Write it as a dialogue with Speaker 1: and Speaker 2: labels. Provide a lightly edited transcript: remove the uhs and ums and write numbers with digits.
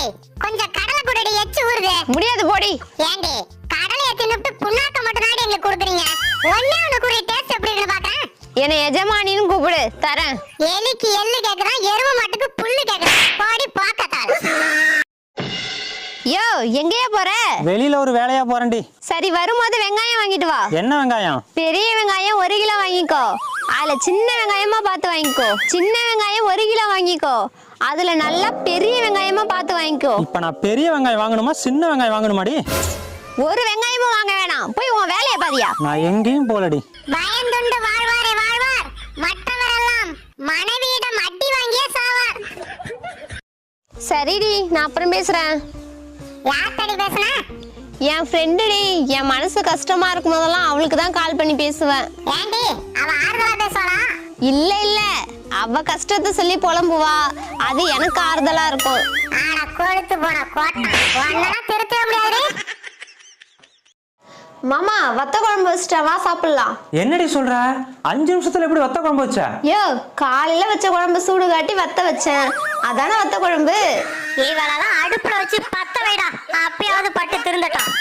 Speaker 1: ஏய் கொஞ்சம் கடலை குடிடி எச்சு ஊறுது.
Speaker 2: முடியாது போடி.
Speaker 1: ஏண்டி கடலைய தின்னுட்டு புண்ணாக்க மட்டும் தான் எங்களுக்கு கொடுக்குறீங்க. ஒண்ணே ஒண்ணு குடி டேஸ்ட் எப்படி இருக்குன்னு பார்க்கறேன்.
Speaker 2: என்னை எஜமானின்னு கூப்பிடு தரேன்.
Speaker 1: எலிக்கு எள்ளு கேக்குறான், எருமை மாட்டுக்கு புல்லு கேக்குறான். போடி பாக்கத்தாள்.
Speaker 2: யோ எங்கேயா போற?
Speaker 3: வெளியில ஒரு வேலையா போறேன்டி.
Speaker 2: சரி வரும்போது வெங்காயம் வாங்கிட்டு வா.
Speaker 3: என்ன வெங்காயம்?
Speaker 2: பெரிய வெங்காயம் 1 கிலோ வாங்கிக்கோ. அதுல சின்ன வெங்காயமா பார்த்து வாங்கிக்கோ. சின்ன வெங்காயம் 1 கிலோ வாங்கிக்கோ. அதுல நல்லா பெரிய வெங்காயமா பார்த்து வாங்கிக்கோ.
Speaker 3: இப்ப நான் பெரிய வெங்காயம் வாங்கணுமா சின்ன வெங்காயம் வாங்கணுமாடி?
Speaker 2: ஒரு வெங்காயமும் வாங்க வேணாம், போய் உன் வேலையை பாதியா.
Speaker 3: நான் எங்கேயும் போலடி.
Speaker 1: பயந்துண்டு வாழ்வாரே வாழ்வார், மற்றவரெல்லாம் மனைவியிடம் அடி வாங்கியே சாவார்.
Speaker 2: சரிடி, நான் அப்புறம் பேசுறேன்.
Speaker 1: யார்கிட்ட பேசுன?
Speaker 2: என் ஃப்ரெண்டுடி. என் மனசு கஷ்டமா இருக்கும் போதெல்லாம் அவளுக்கு தான் கால் பண்ணி பேசுவேன்.
Speaker 1: ஏண்டி அவ ஆறுதலா பேசுவாளா?
Speaker 2: இல்ல இல்ல, அவ கஷ்டத்தை சொல்லி புலம்புவா, அது எனக்கு ஆறுதலா இருக்கும்.
Speaker 1: ஆனா கொழுத்து போன கோட்டை ஒன்னா திருத்த முடியாது.
Speaker 2: மாமா வத்த குழம்பு வச்சிட்டா, வா சாப்பிடலாம்.
Speaker 3: என்னடி சொல்ற? 5 நிமிஷத்துல எப்படி வத்த குழம்பு வச்ச?
Speaker 2: யோ காலையில வச்ச குழம்பு சூடு காட்டி வத்த வச்சேன், அதானே வத்த குழம்பு.
Speaker 1: இவளெல்லாம் அடுப்புல வச்சு பத்த வைடா, அப்பயாவது பட்டு திருந்தட்டும்.